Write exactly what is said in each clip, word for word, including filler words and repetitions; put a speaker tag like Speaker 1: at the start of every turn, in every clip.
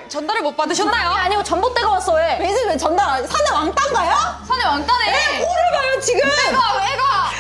Speaker 1: 전달을 못 받으셨나요?
Speaker 2: 아니, 아니고 전봇대가 왔어, 왜?
Speaker 3: 왜, 왜 전달, 산에 왕따인가요?
Speaker 1: 산에 왕따네.
Speaker 3: 코를 봐요, 지금!
Speaker 1: 애가, 애가.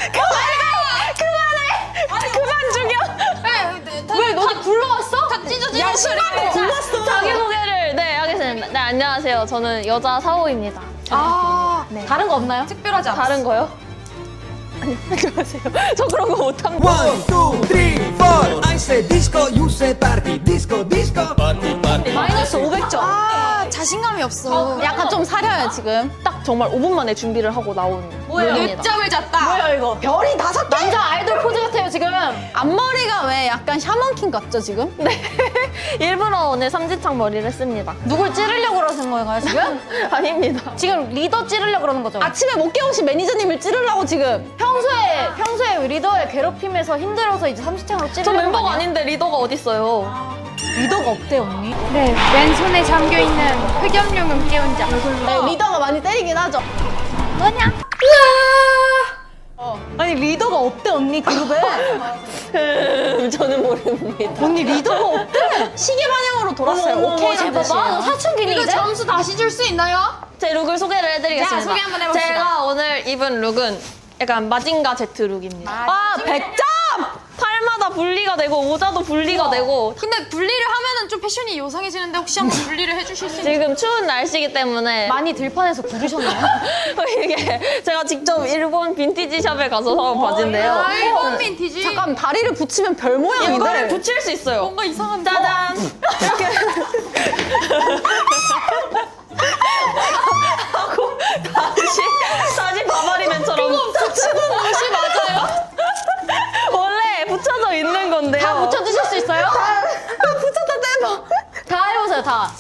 Speaker 2: 그만해! 아니, 그만 죽여!
Speaker 1: 왜,
Speaker 2: 너네 굴러왔어?
Speaker 1: 다 찢어지는
Speaker 3: 야,
Speaker 1: 소리가.
Speaker 3: 신발도 굴렀어!
Speaker 4: 자기소개를 네 하겠습니다. 네 안녕하세요. 저는 여자 사호입니다.
Speaker 1: 아,
Speaker 2: 네. 다른 거 없나요?
Speaker 1: 특별하지 않았어.
Speaker 4: 다른 거요? 안녕하세요. 저 그런 거 못합니다.
Speaker 5: One, two, three, four. I say disco, you say party. Disco, disco. Party, party.
Speaker 2: 마이너스 오백 점.
Speaker 1: 아, 자신감이 없어.
Speaker 2: 약간 좀 사려요, 지금.
Speaker 4: 딱 정말 오 분 만에 준비를 하고 나온
Speaker 2: 뭐예요?
Speaker 4: 룩입니다.
Speaker 1: 늦잠을 잤다.
Speaker 2: 뭐야, 이거?
Speaker 3: 별이 다섯 개?
Speaker 2: 남자 아이돌 포즈 같아요, 지금. 앞머리가 왜 약간 샤먼킹 같죠, 지금?
Speaker 4: 네. 일부러 오늘 삼지창 머리를 했습니다.
Speaker 2: 누굴 찌르려고 그러는 건가요, 지금?
Speaker 4: 아닙니다.
Speaker 2: 지금 리더 찌르려고 그러는 거죠?
Speaker 3: 아침에 못 깨우신 매니저님을 찌르려고 지금.
Speaker 2: 평소에, 평소에 리더의 괴롭힘에서 힘들어서 이제 삼지창으로
Speaker 4: 저
Speaker 2: 찌르려고
Speaker 4: 멤버가
Speaker 2: 아니에요?
Speaker 4: 아닌데 리더가 어딨어요?
Speaker 2: 리더가 없대, 언니.
Speaker 6: 네, 왼손에 잠겨있는 흑염룡은 깨운 자.
Speaker 3: 네, 리더가 많이 때리긴 하죠.
Speaker 6: 뭐냐?
Speaker 2: 아니, 리더가 없대, 언니, 그룹에.
Speaker 4: 저는 모릅니다.
Speaker 2: 언니, 리더가 없대.
Speaker 3: 시계 방향으로 돌았어요. 오케이,
Speaker 2: 잘
Speaker 3: 제
Speaker 2: 봐봐. 너 사춘기니,
Speaker 1: 이거
Speaker 2: 이제?
Speaker 1: 점수 다시 줄 수 있나요?
Speaker 4: 제 룩을 소개를 해드리겠습니다.
Speaker 1: 자, 소개 한번 해봅시다.
Speaker 4: 제가 오늘 입은 룩은 약간 마징가 제트 룩입니다.
Speaker 2: 아, 백 점!
Speaker 4: 팔마다 분리가 되고 모자도 분리가 되고
Speaker 1: 근데 분리를 하면은 좀 패션이 요상해지는데 혹시 한번 분리를 해주실 수 있나요?
Speaker 4: 지금 추운 날씨이기 때문에
Speaker 2: 많이 들판에서 부르셨나요?
Speaker 4: 이게 제가 직접 일본 빈티지 샵에 가서 사온 바지인데요.
Speaker 1: 아, 일본 빈티지.
Speaker 3: 잠깐, 다리를 붙이면 별 모양인데.
Speaker 4: 이거를 붙일 수 있어요.
Speaker 1: 뭔가 이상한데.
Speaker 4: 짜잔! 이렇게 하고 다시 다시 바바리맨처럼
Speaker 1: 붙이는 옷이 맞아요?
Speaker 4: 원래 붙여져 있는 건데요.
Speaker 2: 다 붙여주실 수 있어요?
Speaker 3: 붙였다 떼봐.
Speaker 2: 다 해보세요, 다.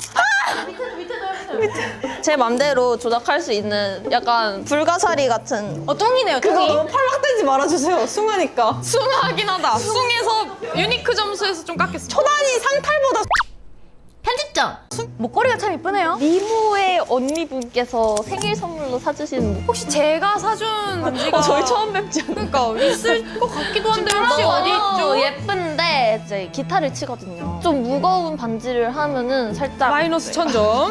Speaker 4: 제 맘대로 조작할 수 있는 약간 불가사리 같은.
Speaker 2: 어, 뚱이네요,
Speaker 3: 그거
Speaker 2: 뚱이.
Speaker 3: 너무 팔락대지 말아주세요. 숭하니까.
Speaker 1: 숭하긴 하다. 숭에서 유니크 점수에서 좀 깎였어.
Speaker 3: 초단이 상탈보다
Speaker 2: 편집점. 목걸이가 참 이쁘네요.
Speaker 4: 미모의 언니분께서 생일 선물로 사주신.
Speaker 1: 혹시 제가 사준 반지가
Speaker 4: 어, 저희 처음 뵙지 않나요?
Speaker 1: 그러니까 있을 것 같기도 한데 혹시 어디 있죠?
Speaker 4: 너무 예쁜데 이제 기타를 치거든요. 좀 무거운 반지를 하면은 살짝
Speaker 1: 마이너스 천 점.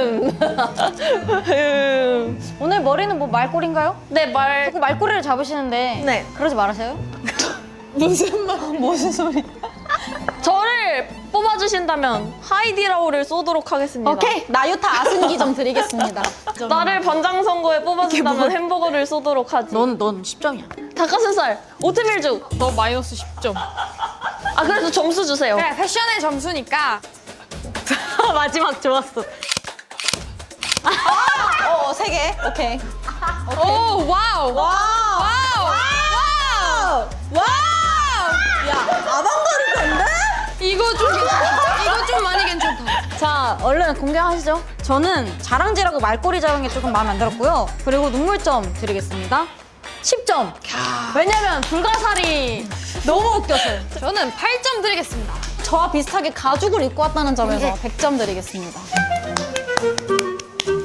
Speaker 2: 오늘 머리는 뭐 말꼬리인가요?
Speaker 4: 네, 말.
Speaker 2: 자꾸 말꼬리를 잡으시는데
Speaker 4: 네.
Speaker 2: 그러지 말으세요.
Speaker 3: 무슨 말, 무슨 소리.
Speaker 4: 저를 뽑아주신다면 하이디라오를 쏘도록 하겠습니다.
Speaker 3: 오케이, 나유타 아승기 좀 드리겠습니다.
Speaker 4: 나를 번장 선거에 뽑아준다면 햄버거를 쏘도록 하지.
Speaker 2: 넌, 넌 십 점이야.
Speaker 4: 닭가슴살, 오트밀죽.
Speaker 1: 너 마이너스 십 점.
Speaker 4: 아 그래도 점수 주세요.
Speaker 1: 그래, 패션의 점수니까.
Speaker 2: 마지막 좋았어.
Speaker 3: 어, 세 개. 오케이.
Speaker 1: 오, 와우.
Speaker 3: 와우.
Speaker 1: 와우. 와우.
Speaker 3: 와우. 야, 아방가르드인데?
Speaker 1: 이거 좀 괜찮다. 이거 좀 많이 괜찮다.
Speaker 2: 자, 얼른 공개하시죠. 저는 자랑질하고 말꼬리 잡은 게 조금 마음에 안 들었고요. 그리고 눈물점 드리겠습니다. 십 점. 왜냐면 불가사리 너무 웃겼어요.
Speaker 1: 저는 팔 점 드리겠습니다.
Speaker 2: 저와 비슷하게 가죽을 입고 왔다는 점에서 백 점 드리겠습니다.